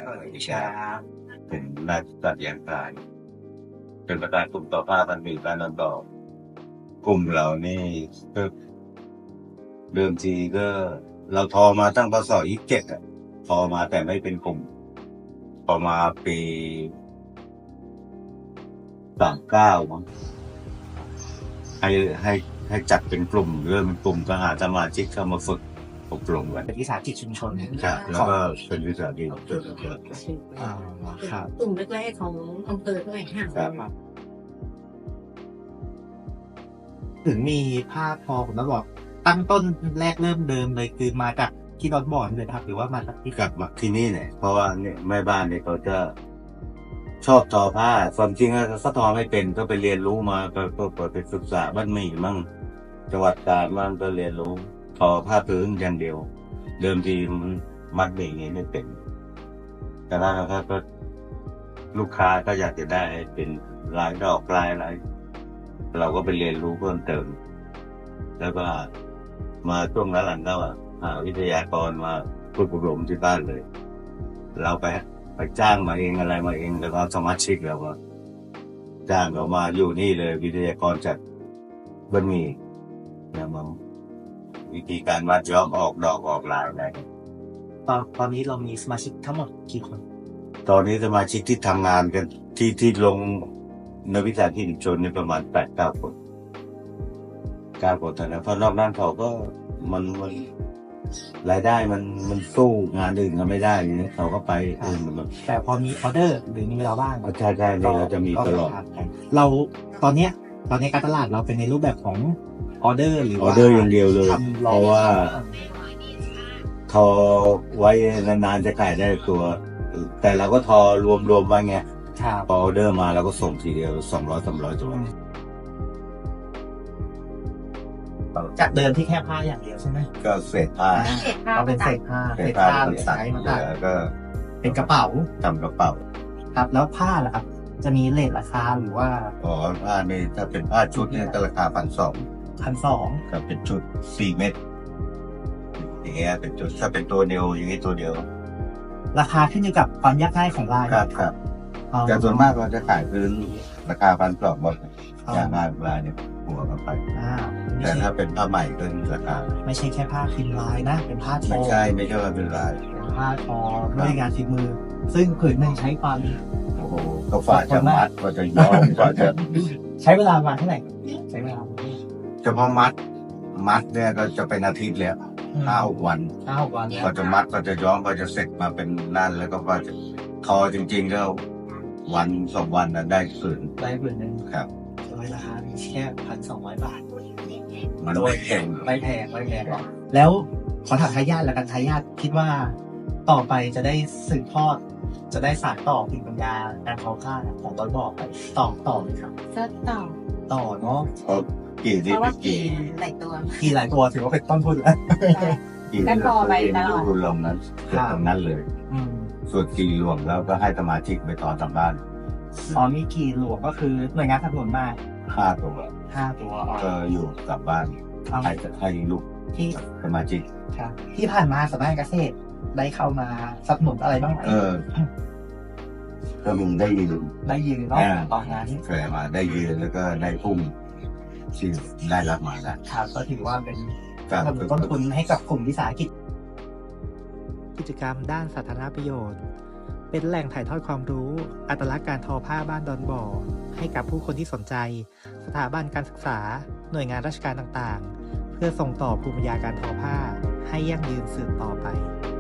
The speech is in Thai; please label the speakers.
Speaker 1: วิชา
Speaker 2: เป็นราชสัตว์ยางกายเป็นประธานกลุ่มต่อผ้าพันธุ์บ้านนนท์ต่อกลุ่มเรานี่ก็เดิมทีก็เราทอมาตั้งพศ27อ่ะทอมาแต่ไม่เป็นกลุ่มพอมาปี39มั้งให้จัดเป็นกลุ่มเริ่มเป็นกลุ่มก็หาสมาชิกเข้ามาฝึกอบรมกัน
Speaker 1: เป็นวิสาหกิจชุมชน
Speaker 2: ครับแล้วก็เป็นวิสาหกิจ
Speaker 1: ครับ
Speaker 3: กลุ่มแรกๆของอำเภอด้วยค่ะ
Speaker 2: ครับ
Speaker 1: ถึงมีผ้าทอผมต้องบอกตั้งต้นแรกเริ่มเดิมเลยคือมาจากที่ดอนบอนเลยครับหรือว่ามาจากที่
Speaker 2: กลับมาที่นี่เนี่ยเพราะว่าเนี่ยแม่บ้านเนี่ยเขาจะชอบทอผ้าความจริงก็ทอไม่เป็นก็ไปเรียนรู้มาก็ไปศึกษาบ้านหมี่มั่งจังหวัดกาญมั่งก็เรียนรู้ทอผ้าพื้นอย่างเดียว เดิมทีมันมัดหมี่อย่างนี้ไม่เป็นแต่แล้วก็ลูกค้าก็อยากจะได้เป็นลายดอกลายอะไรเราก็ไปเรียนรู้เพิ่มเติมแล้วก็มาช่วงหลังๆก็หาวิทยากรมาฝึกอบรมที่บ้านเลย เราไปจ้างมาเองอะไรมาเองแล้วก็สมาชิกเราก็จ้างเรามาอยู่นี่เลยวิทยากรจากบ้านหมี่เนี่ยมาวิธีการวัดย้อมออกดอกออกลายอะไร
Speaker 1: ตอนนี้เรามีสมาชิกทั้งหมดกี่คน
Speaker 2: ตอนนี้สมาชิกที่ทำงานกันที่ลงในวิสาหกิจชุมชนนี่ประมาณ8-9 คน9 คนเท่านั้นเพราะนอกนั้นเขาก็มันรายได้มันสู้งานอื่นก็ไม่ได้เนี่ยเขาก็ไปอื่นมัน
Speaker 1: แต่พอมีออเดอร์หรือมีเวลาว่าง
Speaker 2: ใช่เนี่ยเราจะมีตลอด
Speaker 1: เราตอนนี้การตลาดเราเป็นในรูปแบบของออเดอร์หรือ
Speaker 2: ออเดอร์อย่างเดียวเลย
Speaker 1: ทำ
Speaker 2: เพราะว่าทอไว้นานๆจะขายได้ตัว แต่เราก็ทอรวมๆไว้ไง
Speaker 1: ครับ
Speaker 2: พอออเดอร์มาเราก็ส่งทีเดียว200-300 ตัว
Speaker 1: จากเดิมที่แค่ผ้าอย่างเดียวใช่ไหม
Speaker 2: ก็เศษผ้า
Speaker 1: เราเป็นเศษผ้า
Speaker 2: เศษผ้า
Speaker 1: หรือสายมา
Speaker 2: เหลือก็
Speaker 1: เป็นกระเป๋า
Speaker 2: ทำกระเป๋า
Speaker 1: ครับแล้วผ้าล่ะครับ จะมีเรทราคาหรือว่า
Speaker 2: อ๋อผ้านี่ถ้าเป็นผ้าชุดเนี่ยก็ราคา1,200
Speaker 1: 1,200
Speaker 2: ครับเป็นชุด4 เม็ดอย่างเงี้ยเป็นชุดถ้าเป็นตัวเดียวอย่างนี้ตัวเดียว
Speaker 1: ราคาขึ้นอยู่กับความยากง่ายของลาย
Speaker 2: ครับแต่ส่วนมากเราจะขายพื้นราคา1,200หมดอย่างงานลายเนี่ยหัวกันไป แต่ถ้าเป็นผ้าใหม่ก็ราคา
Speaker 1: ไม่ใช่แค่ผ้าพิมพ์ลายนะ เป็นผ้าทอ
Speaker 2: ไม่ใช่ว่าเป็นลาย
Speaker 1: เป็นผ้าทอด้วยงานฝีมือ ซึ่งผืนหนึ่งใช้ความ
Speaker 2: โอ้โหก็ฝ่าจะมัดก็จะย้อมก็จะ
Speaker 1: ใช้เวลาประมาณเท่าไหร่ใช้เวลา
Speaker 2: เฉพาะมัดเนี่ยก็จะเป็นอาทิตย์แล้ว5-6 วัน
Speaker 1: 5-6 วันแล้ว
Speaker 2: ก็จะมัดก็จะย้อมก็จะเสร็จมาเป็นนั่นแล้วก็จะทอจริงๆก็1-2 วันนะได้คืน
Speaker 1: ได้ผืนหนึ่ง
Speaker 2: ครับ
Speaker 1: โดยราคาแค่1,200 บาท
Speaker 2: มันไม่แพง
Speaker 1: ไม่แพงหรอกแล้วขอถามทายาทแล้วกันทายาทคิดว่าต่อไปจะได้สืบทอดจะได้สานต่อภูมิปัญญาการทอผ้าของต้นบอกไปต่อเลยครับ
Speaker 3: ก็ต่อ
Speaker 1: ต่อเนาะ
Speaker 2: เพราะกี่
Speaker 3: เพ
Speaker 2: ที่
Speaker 3: ราะว่า
Speaker 2: กี่
Speaker 3: หลายตัว
Speaker 1: กี่หลายตัวถือว่าเป็นต้นทุนแล้ว
Speaker 2: กี่
Speaker 3: แล้วพอไปตลอด
Speaker 2: คุณลงนั้นเกิดตรงนั้นเลย
Speaker 1: อืม
Speaker 2: ส่วนกี่รวมแล้วก็ให้สมาชิกไปต่อตามบ้าน
Speaker 1: มีกี่หลวงก็คือหน่วยงานสนับสนุนมา
Speaker 2: 5 ตัว
Speaker 1: 5 ตัว
Speaker 2: ก็อยู่กลับบ้านให้ลูก
Speaker 1: ที่
Speaker 2: สมาชิก
Speaker 1: ครับที่ผ่านมาสำนักงานเกษตรได้เข้ามาสนับสนุนอะไรบ้างไหม
Speaker 2: ก็มึงได้ยืน
Speaker 1: ได้ยืนเนาะตอนนั้น
Speaker 2: เคยมาได้ยืนแล้วก็ได้พุ่งที่ได้รับมาแล้ว
Speaker 1: ครับก็ถือว่าเป็น
Speaker 2: การ
Speaker 1: สนับสนุนต้นทุนให้กับกลุ่มวิสาหกิจกิจกรรมด้านสาธารณประโยชน์ เป็นแหล่งถ่ายทอดความรู้อัตลักษณ์การทอผ้าบ้านดอนบ่อให้กับผู้คนที่สนใจ สถาบันการศึกษาหน่วยงานราชการต่างๆ เพื่อส่งต่อภูมิปัญญาการทอผ้าให้ยั่งยืนสืบต่อไป